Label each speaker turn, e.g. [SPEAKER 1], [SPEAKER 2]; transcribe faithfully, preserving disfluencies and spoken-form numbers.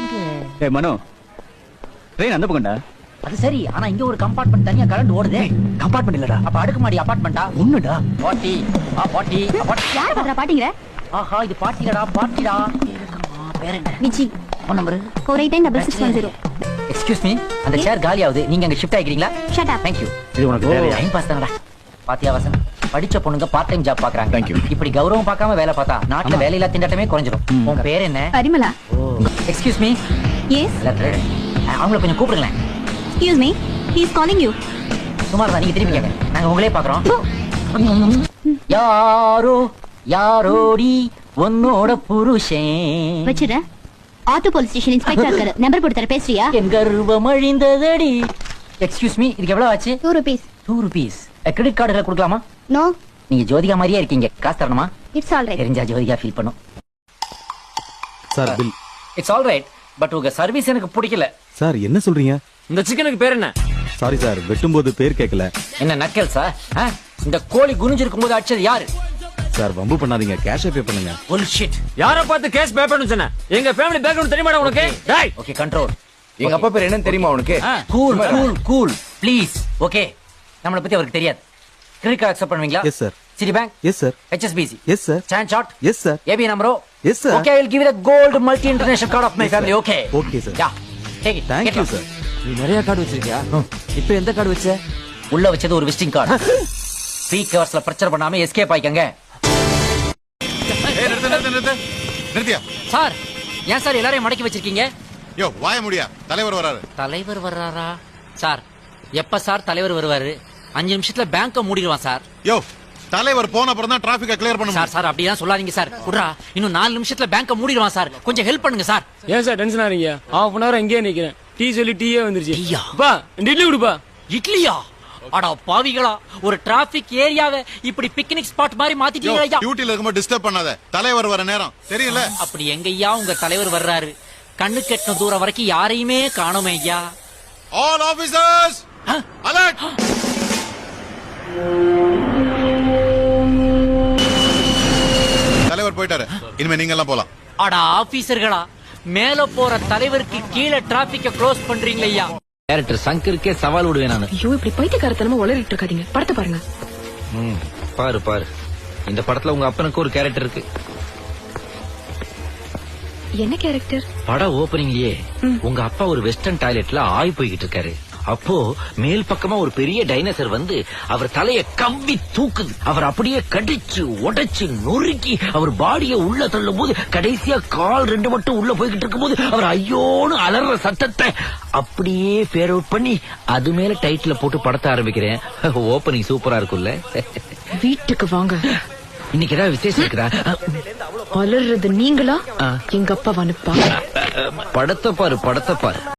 [SPEAKER 1] ஏய் மனோ, ட்ரெயின் அந்த பக்கம்டா.
[SPEAKER 2] அது சரி, ஆனா இங்க ஒரு கம்பார்ட்மெண்ட் தனியா கரண்ட் ஓடுதே.
[SPEAKER 1] கம்பார்ட்மெண்ட் இல்லடா,
[SPEAKER 2] அப்ப அடுக்குமாடி அபார்ட்மெண்டா?
[SPEAKER 1] ஒண்ணுடா.
[SPEAKER 2] பாட்டி, ஆ பாட்டி,
[SPEAKER 3] யார் பண்றா பாட்டிங்கற?
[SPEAKER 2] ஆஹா இது பாட்டிடா, பாட்டிடா. இருக்கமா பேர் என்ன?
[SPEAKER 3] Viji.
[SPEAKER 2] Phone number
[SPEAKER 3] four eight nine six six one zero.
[SPEAKER 2] Excuse me, அந்த சேர் காலி ஆகுது. நீங்க அங்க ஷிஃப்ட் ஆயிக்கிறீங்களா?
[SPEAKER 3] Shut up.
[SPEAKER 2] Thank you.
[SPEAKER 1] இது உனக்கு தேவையா?
[SPEAKER 2] டைம் பாஸ் தானடா. பாத்தியா வாசன், படிச்ச பொண்ணுங்க பார்ட் டைம் ஜாப் பாக்குறாங்க.
[SPEAKER 1] Thank you.
[SPEAKER 2] இப்படி கௌரவம் பார்க்காம வேலை பார்த்தா நாட்டுல வேலையில்லா திண்டாட்டமே குறைஞ்சிரும். உன் பேர் என்ன?
[SPEAKER 3] பரிமளா.
[SPEAKER 2] Excuse me.
[SPEAKER 3] Yes.
[SPEAKER 2] அவங்கள கொஞ்சம் கூப்பிடுங்களேன்.
[SPEAKER 3] Excuse me. He is calling you.
[SPEAKER 2] சுமார் தான், நீங்க திருப்பி கேங்க. நாங்க உங்களே பாக்குறோம். யாரோ யாரோடி உன்னோட புருஷன்.
[SPEAKER 3] வச்சிர. ஆட்டோ போலீஸ் ஸ்டேஷன் இன்ஸ்பெக்டர் இருக்காரு. நம்பர் போட்டு தர, பேசுறியா?
[SPEAKER 2] என் கர்வம் அழிந்ததடி. எக்ஸ்கியூஸ் மீ, இதுக்கு எவ்வளவு ஆச்சு?
[SPEAKER 3] two rupees.
[SPEAKER 2] Two rupees. Credit கார்டுல கொடுக்கலாமா?
[SPEAKER 3] No.
[SPEAKER 2] நீங்க ஜோதிகா மாதிரியே இருக்கீங்க, காசு தரணுமா?
[SPEAKER 3] It's all right.
[SPEAKER 2] தெரிஞ்சா ஜோதிகா ஃபீல் பண்ணும்.
[SPEAKER 4] Sir bill.
[SPEAKER 2] It's all right, but உங்க சர்வீஸ் எனக்கு பிடிக்கல.
[SPEAKER 4] சார் என்ன சொல்றீங்க?
[SPEAKER 5] இந்த சிக்கனுக்கு பேர் என்ன?
[SPEAKER 4] சாரி சார், வெட்டும்போது பேர் கேட்கல.
[SPEAKER 2] என்ன நக்கல் சார்? இந்த கோழி குனிஞ்சிருக்கும் போது அடிச்சது யாரு?
[SPEAKER 4] சார் வம்பு பண்ணாதீங்க, கேஷ் பே பண்ணுங்க.
[SPEAKER 2] புல்ஷிட்.
[SPEAKER 5] யாரை பார்த்து கேஸ் பே பண்ணு சொன்ன? எங்க ஃபேமிலி பேக்ரவுண்ட் தெரியுமாடா உனக்கு? டேய்,
[SPEAKER 2] ஓகே கண்ட்ரோல்.
[SPEAKER 1] எங்க அப்பா பேர் என்னன்னு தெரியுமா உனக்கு?
[SPEAKER 2] Cool cool cool please. Okay, நம்மளை பத்தி அவருக்கு தெரியாது. கிரெடிட் கார்டு அக்செப்ட் பண்ணுவீங்களா?
[SPEAKER 4] Yes sir.
[SPEAKER 2] Citibank?
[SPEAKER 4] Yes sir.
[SPEAKER 2] HSBC?
[SPEAKER 4] Yes sir.
[SPEAKER 2] StanChart?
[SPEAKER 4] Yes sir.
[SPEAKER 2] ABN AMRO?
[SPEAKER 4] Yes sir.
[SPEAKER 2] Okay, I will give you the gold multi international card of my family. Okay
[SPEAKER 4] okay sir.
[SPEAKER 2] Ya take it.
[SPEAKER 4] Thank you sir.
[SPEAKER 5] நீ நிறைய card வச்சிருக்கியா? இப்போ எந்த card வச்ச?
[SPEAKER 2] உள்ள வச்சது ஒரு visiting card. Free கவர்ஸ்ல பிரச்சனை பண்ணாம எஸ்கேப் ஆயிக்கங்க.
[SPEAKER 6] ஏய் நிறுத்து நிறுத்து நிறுத்து. நிறுத்தியா?
[SPEAKER 2] சார், ஏன் சார் எல்லாரையும் மடக்கி வச்சிருக்கீங்க?
[SPEAKER 6] யோ வாய முடியா, தலைவர் வராரு.
[SPEAKER 2] தலைவர் வர்றாரா? சார், எப்ப சார் தலைவர் வருவாரு? அஞ்சு நிமிஷத்துல பேங்க மூடிடுவான் சார்.
[SPEAKER 6] யோ தலைவர் போன அப்புறம் தான் டிராபிக்க கிளியர் பண்ண
[SPEAKER 2] சார்
[SPEAKER 6] முடியும்.
[SPEAKER 2] சார் அப்படிலாம் சொல்லாதீங்க சார். குட்ரா, இன்னும் நாலு நிமிஷத்துல பேங்க மூடிடுவான் சார். கொஞ்சம் ஹெல்ப் பண்ணுங்க சார்.
[SPEAKER 5] ஏன் சார் டென்ஷன் ஆறீங்க? ஹாஃப் அன் ஹவர் இங்கேயே நிக்கிறேன். டீ சொல்லி டீயே வந்துருச்சு.
[SPEAKER 2] டீயா?
[SPEAKER 5] பா, இந்த இட்லி கொடுப்பா.
[SPEAKER 2] இட்லியா? அட பாவிகளா, ஒரு டிராபிக் ஏரியாவை இப்படி பிக்னிக் ஸ்பாட் மாதிரி
[SPEAKER 6] யோ
[SPEAKER 2] மாத்திட்டீங்க ஐயா.
[SPEAKER 6] டியூட்டில இருக்கும்போது டிஸ்டர்ப் பண்ணாத. தலைவர் வர நேரம் தெரியல.
[SPEAKER 2] அப்படி எங்கய்யா உங்க தலைவர் வர்றாரு? கண்ணு கெட்டின தூரம் வரைக்கும் யாரையுமே காணோமே ஐயா.
[SPEAKER 6] All officers alert. தலைவர் போயிட்டாரு, இனிமே நீங்க எல்லாம் போலாம்.
[SPEAKER 2] அட ஆபீசர்களா, மேல போற தலைவருக்கு கீழே டிராபிக்க க்ளோஸ் பண்றீங்களே ஐயா.
[SPEAKER 7] கேரக்டர் சங்கருக்கே சவால் விடுவேன் நானு.
[SPEAKER 8] ஐயோ, இப்படி பைத்தியக்காரத்தனமா உளறிட்டு இருக்காதீங்க. படத்தை பாருங்க.
[SPEAKER 7] ம், பாரு பாரு, இந்த படத்துல உங்க அப்பனுக்கு ஒரு கேரக்டர் இருக்கு.
[SPEAKER 8] என்ன கேரக்டர்?
[SPEAKER 7] பட ஓபனிங்லயே உங்க அப்பா ஒரு வெஸ்டர்ன் டாய்லெட்ல ஆய் போய்கிட்டு இருக்காரு. அப்போ மேல் பக்கமா ஒரு பெரிய டைனோசர் வந்து அவர் தலைய கவ்வி தூக்குது. அவர் அப்படியே கடிச்சு உடைச்சு நொறுக்கி அவர் பாடிய உள்ள தள்ளும் போது கடைசியா கால் ரெண்டு மட்டும் உள்ள போய்கிட்டு இருக்கும் போது அவர் ஐயோன்னு அலற சத்தத்தை அப்படியே ஃபேர் அவுட் பண்ணி அது மேல டைட்டில போட்டு படத்தை ஆரம்பிக்கிறேன். ஓபனிங் சூப்பரா இருக்குல்ல?
[SPEAKER 8] வீட்டுக்கு வாங்க.
[SPEAKER 7] இன்னைக்கு ஏதாவது விசேஷம் இருக்குதா?
[SPEAKER 8] அலறது நீங்களா? எங்க அப்பா வனுப்பா.
[SPEAKER 7] படத்தை பாரு, படத்தை பாரு.